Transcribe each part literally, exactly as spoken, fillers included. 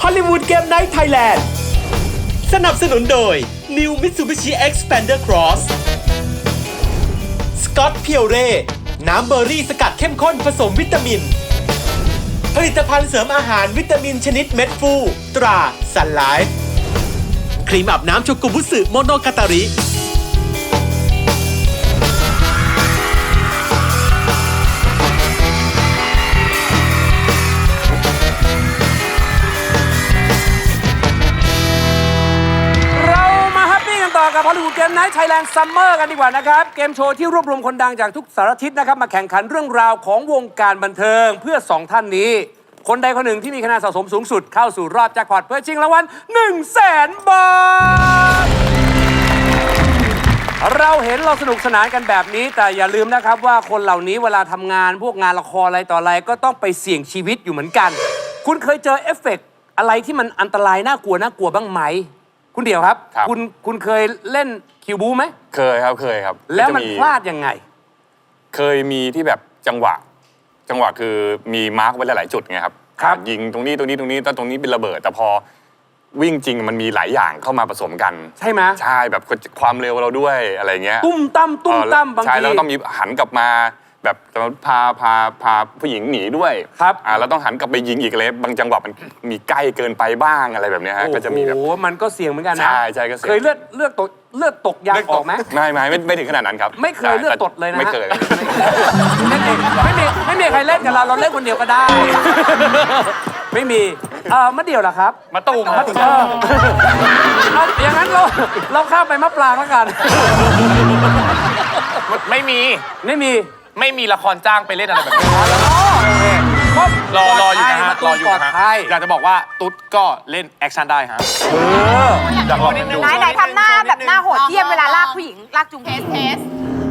อลลีวูดเกมไนท์ไทยแลนด์สนับสนุนโดย New Mitsubishi Xpander Cross Scott Pure น้ำเบอร์รี่สกัดเข้มข้นผสมวิตามินผลิตภัณฑ์เสริมอาหารวิตามินชนิดเม็ดฟูตราซันไลฟ์ครีมอาบน้ำโชกุบุสึโมโนกาตาริกับฮอลลีวูดเกมไนท์ไทยแลนด์ซัมเมอร์กันดีกว่านะครับเกมโชว์ที่รวบรวมคนดังจากทุกสารทิศนะครับมาแข่งขันเรื่องราวของวงการบันเทิงเพื่อสองท่านนี้คนใดคนหนึ่งที่มีคะแนนสะสมสูงสุดเข้าสู่รอบแจ็คพอตเพื่อชิงรางวัล หนึ่งแสน บาทเราเห็นเราสนุกสนานกันแบบนี้แต่อย่าลืมนะครับว่าคนเหล่านี้เวลาทำงานพวกงานละครอะไรต่ออะไรก็ต้องไปเสี่ยงชีวิตอยู่เหมือนกันคุณเคยเจอเอฟเฟกต์อะไรที่มันอันตรายน่ากลัวน่ากลัวบ้างไหมคุณเดี่ยวครับคุณคุณเคยเล่นคิวบูไหมเคยครับเคยครับแล้วมันพลาดยังไงเคยมีที่แบบจังหวะจังหวะคือมีมาร์กไว้หลายๆจุดไงครับยิงตรงนี้ตรงนี้ตรงนี้แล้วตรงนี้เป็นระเบิดแต่พอวิ่งจริงมันมีหลายอย่างเข้ามาผสมกันใช่ไหมใช่แบบความเร็วเราด้วยอะไรเงี้ยตุ้มตั้มตุ้มตั้มบางทีใช่แล้วต้องมีหันกลับมาแบบพาพาพาผู้หญิงหนีด้วยครับอ่าแล้วต้องหันกลับไปยิงอีกเลยบางจังหวะมันมีใกล้เกินไปบ้างอะไรแบบนี้ฮะก็จะมีแบบโอ้มันก็เสี่ยงเหมือนกันนะใช่ใช่ก็เสี่ยงเคยเลือดเลือดตกเลือดตกยางออกไหมไม่ไม่ไม่ไม่ถึงขนาดนั้นครับไม่เคยเลือดตกเลยนะไม่เคยไม่มีไม่มีไม่มีใครเล่นกับเราเราเล่นคนเดียวก็ได้ไม่มีเออมะเดี่ยวล่ะครับมะตูมมะตูมเอาอย่างนั้นเราเราข้ามไปมะปรางแล้วกันไม่มีไม่มีไม่มีละครจ้างไปเล่นอะไรแบบนี้รอรออยู่นะฮะรออยู่นะฮะอยากจะบอกว่าตุ๊ดก็เล่นแอคชั่นได้ฮะอยากลองดูไหนไหนทำหน้าแบบหน้าโหดเยี่ยมเวลาลากผู้หญิงลากจุงเทสเทส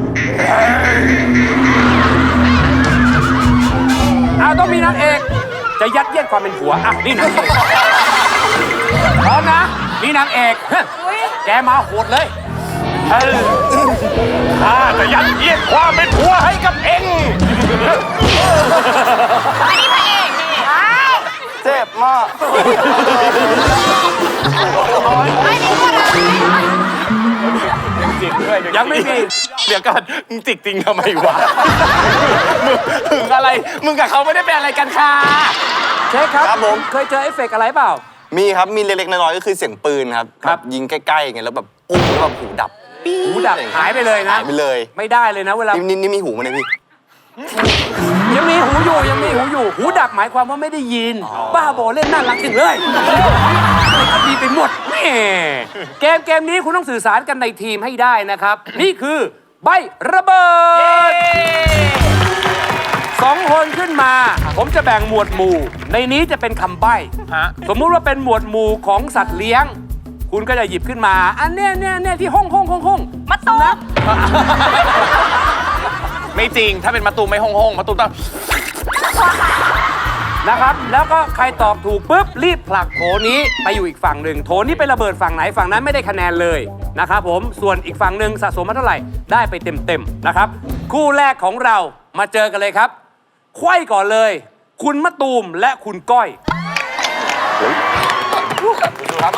เอาต้องมีนางเอกจะยัดเยียดความเป็นผัวอ่ะนี่นางเอกพร้อมนะนี่นางเอกแกมาโหดเลยข้าจะยัดเยียดความเป็นผัวให้กับเองอันนี้พระเอกนี่เจ็บมากไม่ได้พูดอะไรจิกด้วยยังไม่มีเดี๋ยวก่อนมึงจิกจริงทำไมวะมึงอะไรมึงกับเขาไม่ได้เป็นอะไรกันค่ะเช็คครับครับผมเคยเจอเอฟเฟกต์อะไรเปล่ามีครับมีเล็กๆน้อยๆก็คือเสียงปืนครับครับยิงใกล้ๆอย่างเงี้ยแล้วแบบอุ้มแล้วแบบหูดับหูดับหายไปเลยนะหายไปเลยไม่ได้เลยนะเวลานี่นี่มีหูมั้ยพี่ยังมีหูอยู่ยังมีหูอยู่หูดับหมายความว่าไม่ได้ยินบ้าบอเล่นน่ารักจังเลยก็ดีไปหมดแม่เกมเกมนี้คุณต้องสื่อสารกันในทีมให้ได้นะครับนี่คือใบระเบิดสองคนขึ้นมาผมจะแบ่งหมวดหมู่ในนี้จะเป็นคำใบ้สมมุติว่าเป็นหมวดหมู่ของสัตว์เลี้ยงคุณก็จะหยิบขึ้นมาอันเนี้ยเนี้ยเนี้ยที่ห้องห้องห้องห้องมาตูมไม่จริงถ้าเป็นมาตูมไม่ห้องห้องมาตูมต้องนะครับแล้วก็ใครตอบถูกปุ๊บรีบผลักโถนี้ไปอยู่อีกฝั่งหนึ่งโถนี้ไประเบิดฝั่งไหนฝั่งนั้นไม่ได้คะแนนเลยนะครับผมส่วนอีกฝั่งหนึ่งสะสมมาเท่าไหร่ได้ไปเต็มๆนะครับคู่แรกของเรามาเจอกันเลยครับไขว้ก่อนเลยคุณมะตูมและคุณก้อยครับ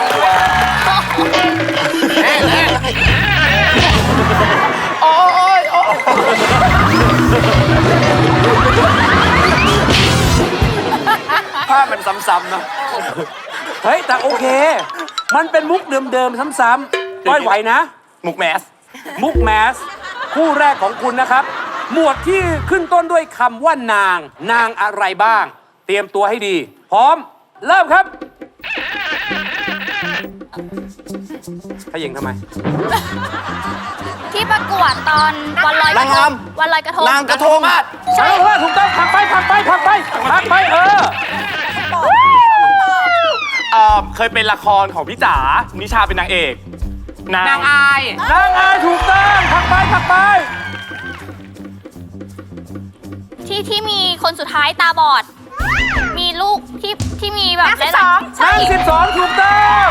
โอ้ยโอ้ยภาพมันซ้ำๆนะเฮ้ยแต่โอเคมันเป็นมุกเดิมๆซ้ำๆก้อยไหวนะมุกแมสมุกแมสคู่แรกของคุณนะครับหมวดที่ขึ้นต้นด้วยคำว่านางนางอะไรบ้างเตรียมตัวให้ดีพร้อมเริ่มครับขยิงทำไมที่ประกวดตอนวันลอยกระทงวันลอยกระทงนางกระทงใช่ว่าถูกต้องผักไปผักไปผักไปผักไปเออเออเคยเป็นละครของพี่จ๋านิชาเป็นนางเอกนางอายนางอายถูกต้องผักไปผักไปที่ที่มีคนสุดท้ายตาบอดมีลูกที่ที่มีแบบนางสิบสองนางสิบสองถูกต้อง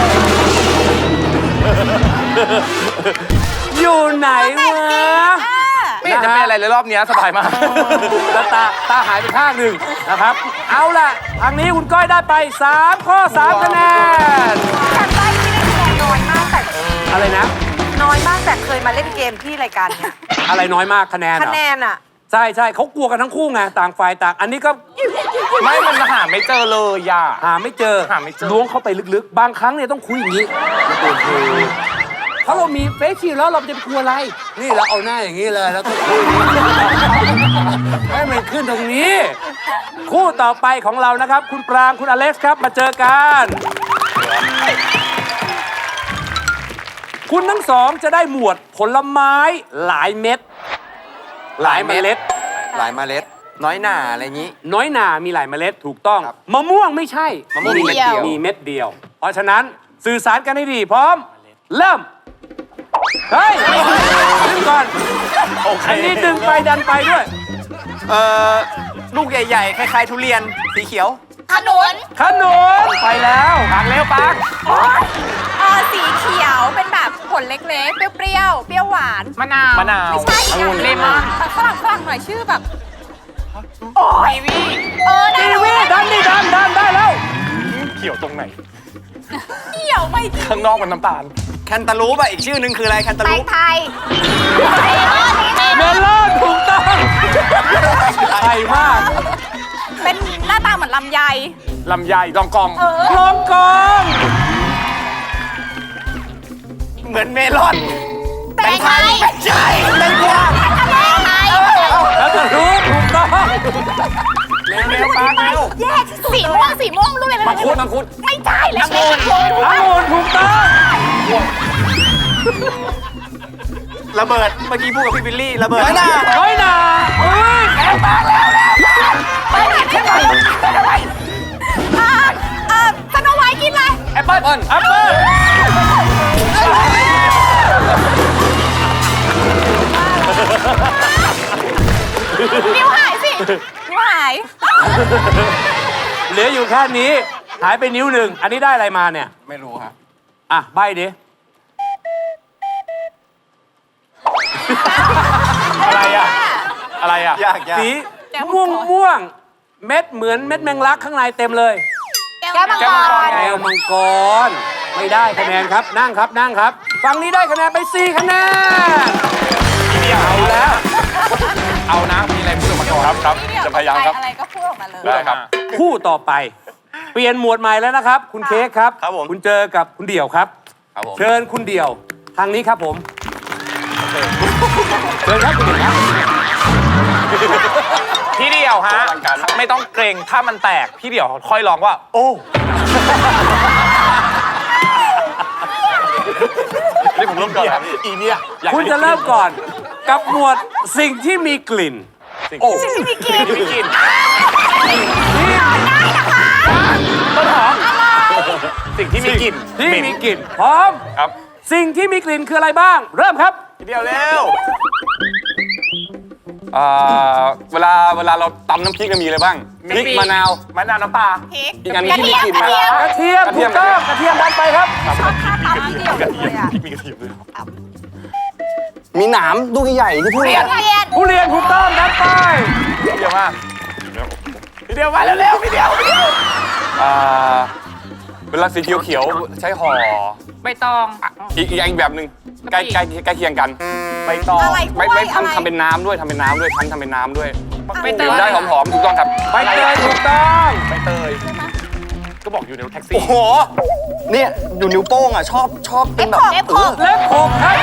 อยู่ไหนวะไม่เห็นจะเป็นอะไรเลยรอบเนี้ยสบายมากแล้วตาตาหายไปข้างหนึ่งนะครับ เอาล่ะ ทางนี้คุณก้อยได้ไป 3 ข้อ 3 คะแนนแต่ใบที่ได้คะแนนน้อยมากแต่อะไรนะน้อยมากแต่เคยมาเล่นเกมที่รายการเนี้ยอะไรน้อยมากคะแนนเหรคะอแนนอะใช่ใช่เขากลัวกันทั้งคู่ไง ต่างฝ่ายต่าง อันนี้ก็ไม่มันหาไม่เจอเลยย่าหาไม่เจอหาไม่เจอล้วงเข้าไปลึกๆ บางครั้งเนี่ยต้องคุยอย่างนี้เพราะเรามีเฟซชิลแล้วเราจะไปกลัวอะไร นี่เราเอาหน้าอย่างนี้เลยแล้วก็คุยให้มันขึ้นตรงนี้ คู่ต่อไปของเรานะครับ คุณปรางคุณอเล็กซ์ครับมาเจอกัน คุณทั้งสองจะได้หมวดผลไม้หลายเม็ด หลายเมล็ดหลายเมล็ด น้อยหน่าอะไรอย่างนี้น้อยหนามีหลายเมล็ดถูกต้อง มะม่วงไม่ใช่มะม่วงมีเม็ดเดียวมีเม็ดเดียว เพราะฉะนั้นสื่อสารกันให้ดีพร้อม เริ่ม เฮ้ยดึงก่อนโอเคอันนี้ดึงไปดันไปด้วยเอ่อ ลูกใหญ่ๆ คล้ายๆ ทุเรียน สีเขียวขนุนขนุนไปแล้วปางเร็วปางเออสีเขียวเป็นแบบผลเล็กๆ เปรี้ยวๆ เปรี้ยวหวานมะนาวมะนาวไม่ใช่อีกอย่างเลมอนฝรั่งฝรั่งหน่อยชื่อแบบ โอ้ยวีเออได้ทีแล้ววีดันดิดันดันได้แล้วเขียวตรงไหนเขียวไม่จริงข้างนอกมันน้ำตาลแคนตาลูปอ่ะ อีกชื่อหนึงคืออะไร แคนตาแตลูงปไทยเมลอนถูกต้องไทยมากเป็นหน้าตาเหมือนลำไยลำไยลองกองเออกลองกองเหมือนเมลอนแตงไทยใช่แตงกวาแตงไทยแล้วจะรู้ถูกต้องเร็วๆปางเร็วแย่ที่สุดสีม่วงสีม่วงรู้เลยนะมังคุดมังคุดไม่ใช่แล้วเล็กองุ่นถูกต้องระเบิด เมื่อกี้พูดกับพี่บิลลี่ ระเบิดน้อยหน่าน้อยหนาเฮ้ยไปไหนไปไหนไปไหนอ่าอ่าสโนไวท์กินอะไรแอปเปิ้ลแอปเปิ้ลนิ้วหายสิ นิ้วหายเหลืออยู่แค่นี้ หายไปนิ้วหนึ่ง อันนี้ได้อะไรมาเนี่ยไม่รู้ครับอ่ะ ใบดิอะไรอ่ะ อะไรอ่ะยากยากสีม่วงม่วง เม็ดเหมือนเม็ดแมงลักข้างในเต็มเลยแก้วมังกรแก้วมังกร ไม่ได้คะแนนครับ นั่งครับ นั่งครับ ฝั่งนี้ได้คะแนนไปสี่คะแนน เอาแล้วเอานะ มีอะไรพูดออกมาก่อนครับครับ จะพยายามครับอะไรก็พูดออกมาเลยได้ครับคู่ต่อไป เปลี่ยนหมวดใหม่แล้วนะครับ คุณเค้กครับครับผมคุณเจอกับคุณเดี่ยวครับครับผมเชิญคุณเดี่ยว ทางนี้ครับผม เชิญครับคุณเดี่ยวครับพี่เดียวฮะ ไม่ต้องเกรงถ้ามันแตก พี่เดียวค่อยร้องว่า โอ้นี่ผมเริ่มก่อนครับอีเนี่ยอยากคุณจะเริ่มก่อน กับหมวดสิ่งที่มีกลิ่นโอ้ไม่กินไม่กินต้นหอมสิ่งที่มีกลิ่นที่เหม็นมีกลิ่น พร้อมครับสิ่งที่มีกลิ่นคืออะไรบ้าง เริ่มครับพี่เดียวเร็วเอ่อเวลาเวลาเราตำน้ำพริกก็มีอะไรบ้างพริกมะนาวมะนาวน้ำปลาพริกอีกอันหนึงที่มีกลิ่นกระเทียมกระเทียมกระเทีถูยมกต้องกระเทียมดันไปครับชอบท่าตามพี่เดียวเลยอ่ะมีกระเทียมด้วยมีหนามลูกใหญ่ๆที่พูดเรียนเรียนผู้เรียนถูกต้องดันไปพี่เดียวมากพี่เดียวมาเร็วๆพี่เดียวพี่เดียวอ่าเวลาสีเขียวๆใช้ห่อไม่ตองอีกอีกอย่างแบบหนึ่งใกล้ใกล้ใกล้เคียงกันใบตองอะไรไม่กล้วยไม่อะไรทำทำเป็นน้ำด้วยทำเป็นน้ำด้วยคั้นทำเป็นน้ำด้วยใบเตยได้หอมๆถูกต้องครับใบเตยถูกต้องใบเตย ก็บอกอยู่ในรถแท็กซี่โอ้โห เนี่ย อยู่นิ้วโป้งอ่ะ ชอบชอบเป็นแบบเอฟหกเล็บขบครับ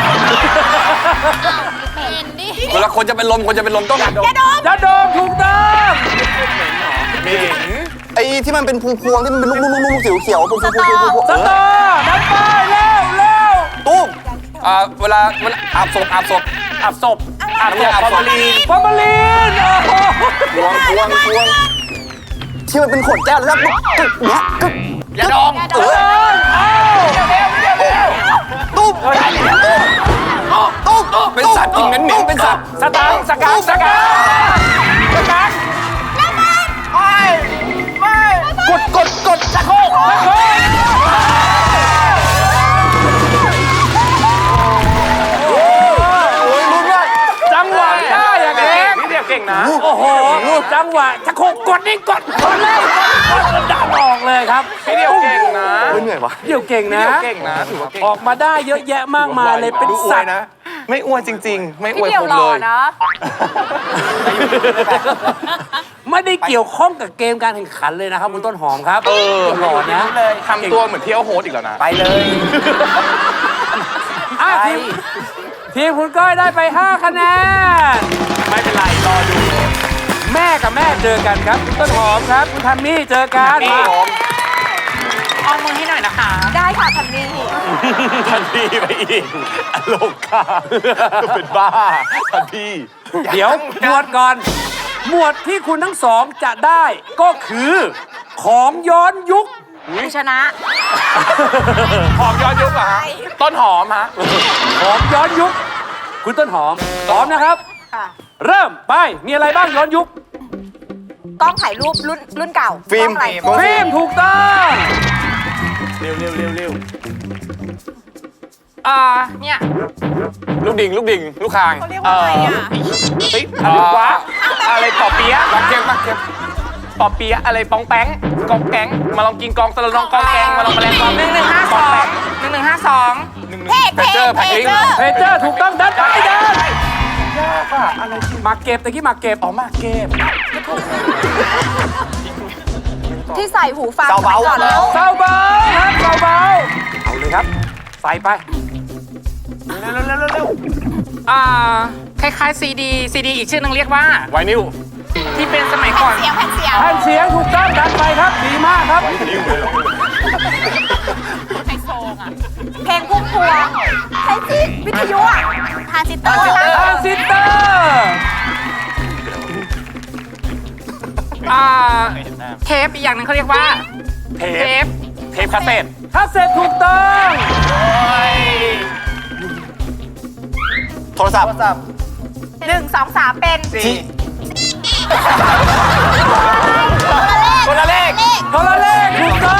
เห็นดิเวลาคนจะเป็นลมคนจะเป็นลมต้องยาดมยาดมถูกต้องเหม็นไอ้ที่มันเป็นพวงๆที่มันเป็นลูกๆๆๆสีเขียวๆพวงๆๆๆๆสตอดันไปเร็วเร็วตุ้มอ่าเวลามันอาบศพอาบศพอาบศพอาบศพอาบศพฟอร์มาลีนฟอร์มาลีนโอ้โหพวงพวงพวงที่มันเป็นขวดแก้วแล้วก็กึกเนี้ยกึกอย่าดองเออเอาตุ้มตุ้มตุ้มเป็นสัตว์กินเหม็นๆเป็นสัตว์สตางค์สกัดสกัดสกัดกดกดกดชักโครกโอ้ยลุ้นมากจังหวะได้เก่งนะโอ้โห จังหวะจะโคกกดนี่กดกดเลยกดกดดันออกเลยครับพี่เดียวเก่งนะเหนื่อยวะเดี่ยวเก่งพี่นะเดียวเก่งนะถือว่าเก่งออกมาได้เยอะแยะมากมายเลยเป็นดูอวสัยตว์นะ ไม่อ้วนจริง ๆ ไม่อพี่วยเดียวผมหล่เลอย นะไม่ได้เกี่ยวข้องกับเกมการแข่งขันเลยนะครับคุณต้นหอมครับเออหล่อนะทำตัวเหมือนเที่ยวโฮสอีกแล้วนะไปเลยอ่ะทีมทีมคุณก้อยได้ไปห้าคะแนนไม่เป็นไร รอดูแม่กับแม่เจอกันครับคุณต้นหอมครับคุณทัมมี่เจอกันเอามือให้หน่อยนะคะ ได้ค่ะทันนี่ทันทีไปอีกอโลกาเป็นบ้าทันทีเดี๋ยวหมวดก่อน หมวดที่คุณทั้งสองจะได้ก็คือของย้อนยุคชนะหอมย้อนยุคเหรอฮะต้นหอมฮะของย้อนยุค คุณต้นหอมพร้อมนะครับค่ะเริ่มไปมีอะไรบ้างย้อนยุคกล้องถ่ายรูปรุ่นรุ่นเก่าฟิล์มกล้องอะไรฟิล์มถูกต้องเร็วเร็วเร็วเร็วอ่าเนี่ยลูกดิ่งลูกดิ่งลูกคางเขาเรียกว่าอะไรอ่ะเฮ้ยอะไรวะอะไรปอเปี๊ยะปักเก็บปักเก็บปอเปี๊ยะอะไรปองแป้งกองแก๊งมาลองกินกองตะลองกองแกงมาลองแมลงกองหนึ่งหนึ่งห้าสองหนึ่งหนึ่งห้าสองเพจเพจเจอแพ็คลิงก์เพเจอร์ถูกต้องดันไปดันมาเก็บตะกี้มาเก็บอ๋อมาเก็บที่ใส่หูฟังเบาเบาก่อนแล้วเบาเบาครับเบาเบาเอาเลยครับ ใส่ไปอ่าคล้ายๆซีดีซีดีอีกชื่อหนึงเรียกว่าไวนิลที่เป็นสมัยก่อนเสียงแผ่นเสียงแผ่นเสียงถูกต้องดันไปครับดีมากครับเพลงพุ่มพวงใช่สิวิทยุอ่ะทานซิสเตอร์ทรานซิสเตอร์อ่าเทปอีกอย่างหนึงเขาเรียกว่าเทเทปปเทปคาสเซ็ตถ้าเสร็จถูกต้องโทรศัพท์หนึ่งสองสามเป็นที่คนละเลขโทรเลขถูกต้อง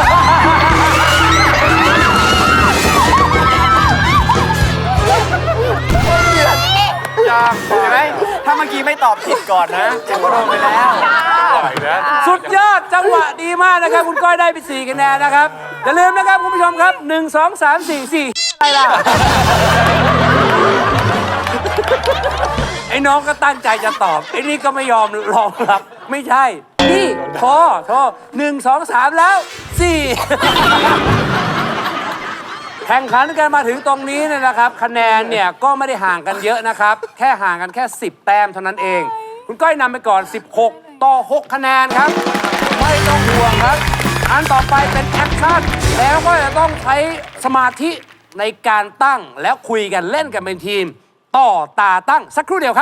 ยากใช่ไหมถ้าเมื่อกี้ไม่ตอบผิดก่อนนะจะโดนไปแล้วสุดยอดจังหวะดีมากนะครับ คุณก้อยได้ไปสี่คะแนนนะครับ อย่าลืมนะครับคุณผู้ชมครับหนึ่ง สอง สาม สี่ สี่อะไรล่ะ ไอ้น้องก็ตั้งใจจะตอบ ไอ้นี่ก็ไม่ยอมรองรับ ไม่ใช่ นี่โทรโทรหนึ่งสองสามแล้วสี่ แข่งขันกันมาถึงตรงนี้เนี่ยนะครับ คะแนนเนี่ยก็ไม่ได้ห่างกันเยอะนะครับ แค่ห่างกันแค่สิบแต้มเท่านั้นเอง คุณก้อยนำไปก่อนสิบหกต่อหกคะแนนครับ ไม่ต้องห่วงครับ อันต่อไปเป็นแอคชั่นแล้วก็จะต้องใช้สมาธิในการตั้งแล้วคุยกันเล่นกันเป็นทีม ต่อตาตั้งสักครู่เดียวครับ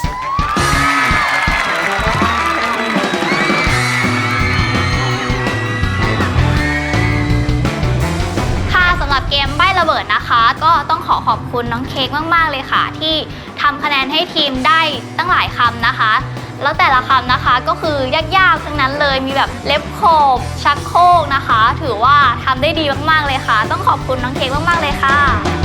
ค่ะสำหรับเกมใบ้ระเบิดนะคะ ก็ต้องขอขอบคุณน้องเค้กมากๆเลยค่ะ ที่ทำคะแนนให้ทีมได้ตั้งหลายคำนะคะ แล้วแต่ละคำนะคะก็คือยากๆทั้งนั้นเลยมีแบบเล็บโขบชักโครกนะคะ ถือว่าทำได้ดีมากๆเลยค่ะ ต้องขอบคุณน้องเค้กมากๆเลยค่ะ